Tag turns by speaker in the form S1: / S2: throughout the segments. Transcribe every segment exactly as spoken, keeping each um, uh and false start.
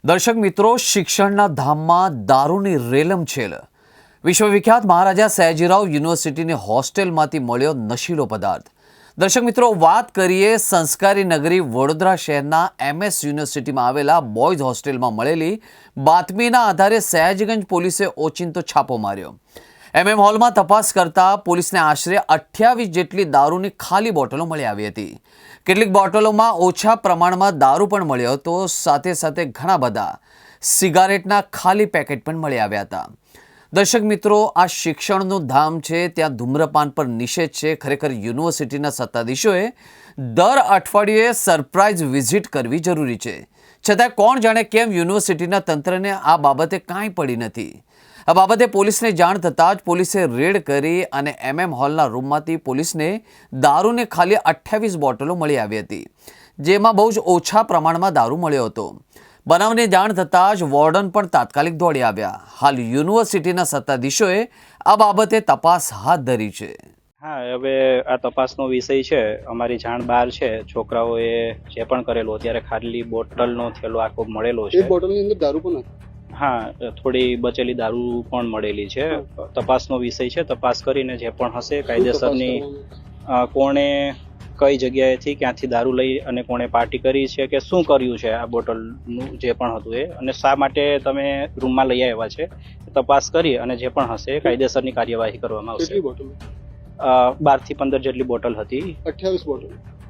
S1: દર્શક મિત્રો, શિક્ષણના ધામમાં દારૂની રેલમછેલ. વિશ્વવિખ્યાત મહારાજા સયાજીરાવ યુનિવર્સિટીની હોસ્ટેલમાંથી મળ્યો નશીલો પદાર્થ. દર્શક મિત્રો, વાત કરીએ સંસ્કારી નગરી વડોદરા શહેરના એમએસ યુનિવર્સિટીમાં આવેલા બોયઝ હોસ્ટેલમાં મળેલી બાતમીના આધારે સયાજીગંજ પોલીસે ઓચિંતો છાપો માર્યો. એમએમ હોલમાં તપાસ કરતા પોલીસને આશરે અઠ્યાવીસ જેટલી દારૂની ખાલી બોટલો મળી આવી હતી. કેટલીક બોટલોમાં ઓછા પ્રમાણમાં દારૂ પણ મળ્યો હતો. સાથે સાથે ઘણા બધા સિગારેટના ખાલી પેકેટ પણ મળી આવ્યા હતા. દર્શક મિત્રો, આ શિક્ષણનું ધામ છે, ત્યાં ધૂમ્રપાન પર નિષેધ છે. ખરેખર યુનિવર્સિટીના સત્તાધીશોએ દર અઠવાડિયે સરપ્રાઇઝ વિઝિટ કરવી જરૂરી છે. છતાં કોણ જાણે કેમ યુનિવર્સિટીના તંત્રને આ બાબતે કાંઈ પડી નથી. આ બાબતે પોલીસને જાણ થતાં જ પોલીસે રેડ કરી અને એમએમ હોલના રૂમમાંથી પોલીસને દારૂને ખાલી અઠ્યાવીસ બોટલો મળી આવી હતી, જેમાં બહુ જ ઓછા પ્રમાણમાં દારૂ મળ્યો હતો. બનાવની જાણ થતાં જ વોર્ડન પણ તાત્કાલિક દોડી આવ્યા. હાલ યુનિવર્સિટીના સત્તાધીશોએ આ બાબતે તપાસ હાથ ધરી છે.
S2: હા, હવે આ તપાસનો વિષય છે. અમારી જાણ બહાર છે. છોકરાઓએ જે પણ કરેલું અત્યારે ખાલી બોટલનો થેલો આખો મળેલો છે.
S3: એક બોટલની અંદર દારૂ પણ હતી.
S2: હા, થોડી બચેલી દારૂ પણ મળેલી છે. તપાસનો વિષય છે. તપાસ કરીને જે પણ હશે કાયદેસરની કોણે કઈ જગ્યાએથી ક્યાંથી દારૂ લઈ અને કોણે પાર્ટી કરી છે કે શું કર્યું છે આ બોટલનું જે પણ હતું એ, અને શા માટે તમે રૂમમાં લઈ આવ્યા છે, તપાસ કરી અને જે પણ હશે કાયદેસરની કાર્યવાહી કરવામાં આવશે.
S3: કેટલી બોટલ?
S2: બાર થી પંદર જેટલી બોટલ હતી.
S3: અઠ્યાવીસ બોટલ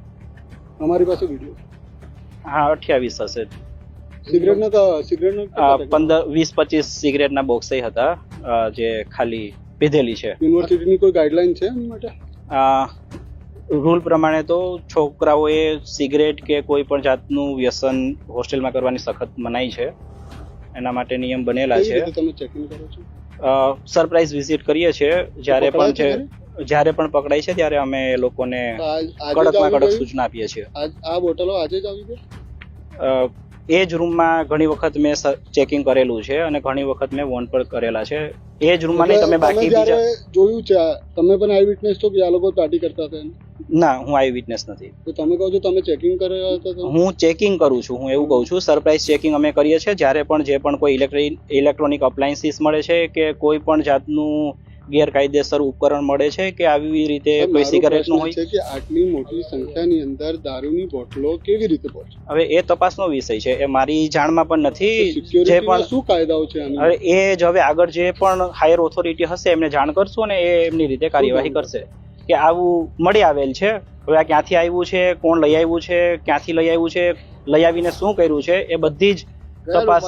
S3: અમારી પાસે વિડીયો.
S2: હા, અઠ્યાવીસ હશે.
S3: સિગરેટના સિગરેટના
S2: પંદર વીસ પચીસ સિગરેટના બોક્સ હતા જે ખાલી પીધેલી છે.
S3: યુનિવર્સિટીની કોઈ ગાઈડલાઈન છે એની માટે?
S2: રૂલ પ્રમાણે તો છોકરાઓએ સિગરેટ કે કોઈ પણ જાતનું વ્યસન હોસ્ટેલમાં કરવાની સખત મનાઈ છે. એના માટે નિયમ બનેલા છે.
S3: તમે ચેકિંગ કરો છો?
S2: સરપ્રાઇઝ વિઝિટ કરીએ છીએ. જ્યારે પણ છે જ્યારે પણ પકડાય છે ત્યારે અમે એ લોકોને કડકમાં કડક સૂચના આપીએ છીએ.
S3: આ બોટલો આજે જ આવી ગઈ?
S2: એ જ રૂમમાં ઘણી વખત મેં ચેકિંગ કરેલું છે અને ઘણી વખત મેં વોન પણ કરેલા છે. એ જ રૂમમાં નહીં, તમે બાકી બીજા
S3: જોયું છે? તમે પણ આઈ વિટનેસ છો કે આ લોકો પાર્ટી કરતા હતા?
S2: ના, હું આઈ વિટનેસ નથી.
S3: તો તમે કહો છો તમે ચેકિંગ કર્યા હતા?
S2: હું ચેકિંગ કરું છું. હું એવું કહું છું, સરપ્રાઇઝ ચેકિંગ અમે કરીએ છીએ. જ્યારે પણ જે પણ કોઈ ઇલેક્ટ્રિક ઇલેક્ટ્રોનિક અપ્લાયન્સીસ મળે છે કે કોઈ પણ જાતનું ગેરકાયદેસર ઉપકરણ મળે છે કે આવી રીતે કોઈ સિગારેટનું હોય
S3: છે કે આટલી મોટી સંખ્યાની અંદર દારૂની બોટલો કેવી રીતે પહોંચે?
S2: હવે એ તપાસનો વિષય છે. એ મારી જાણમાં પણ નથી.
S3: જે પણ શું કાયદાઓ છે
S2: હવે એ જ હવે આગળ જે પણ હાયર ઓથોરિટી હશે એમને જાણ કરશું અને એ એમની રીતે કાર્યવાહી કરશે કે આવું મળી આવેલ છે. હવે આ ક્યાંથી આવ્યું છે, કોણ લઈ આવ્યું છે, ક્યાંથી લઈ આવ્યું છે, લઈ આવીને શું કર્યું છે, એ બધી જ તપાસ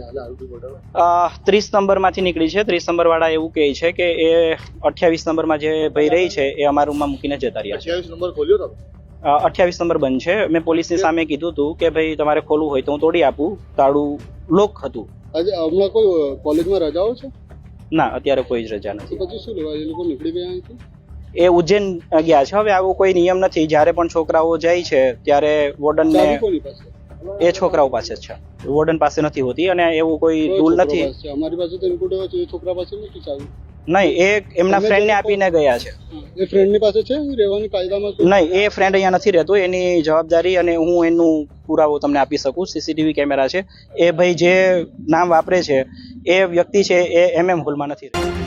S2: ત્રીસ નંબર માંથી નીકળી છે. ત્રીસ નંબર વાળા એવું કહે છે કે એ અઠ્યાવીસ નંબરમાં જે ભાઈ રહી છે એ અમારા રૂમમાં મૂકીને જતા રહ્યા છે.
S3: અઠ્યાવીસ નંબર ખોલ્યો તમે?
S2: અઠ્યાવીસ નંબર બંધ છે. મેં પોલીસની સામે કીધું હતું કે ભાઈ તમારે ખોલવું હોય તો હું તોડી આપું. તાળું લોક હતું.
S3: આજે હમણાં કોઈ કોલેજમાં રજાઓ છે?
S2: ના, અત્યારે કોઈ જ રજા નથી.
S3: પછી શું લેવા એ લોકો નીકળી ગયા અહીંથી?
S2: એ ઉજ્જૈન ગયા છે. હવે આવો કોઈ નિયમ નથી. જ્યારે પણ છોકરાઓ જાય છે ત્યારે વોર્ડનને એ છોકરાઓ પાસે જ છે, વોર્ડન પાસે નથી હોતી અને એવું કોઈ રૂલ નથી.
S3: અમારી પાસે તો ઇનપુટ એવો છે એ છોકરા પાસે નથી ચાવી.
S2: નહીં, એ એમના ફ્રેન્ડને આપીને ગયા છે.
S3: એ ફ્રેન્ડની પાસે છે રહેવાની કાયદામાં?
S2: નહીં, એ ફ્રેન્ડ અહીંયા નથી રહેતો. એની જવાબદારી અને હું એનું પુરાવો તમને આપી શકું. સીસીટીવી કેમેરા છે. એ ભાઈ જે નામ વાપરે છે એ વ્યક્તિ છે એ એમએમ હોલમાં નથી રહેતો.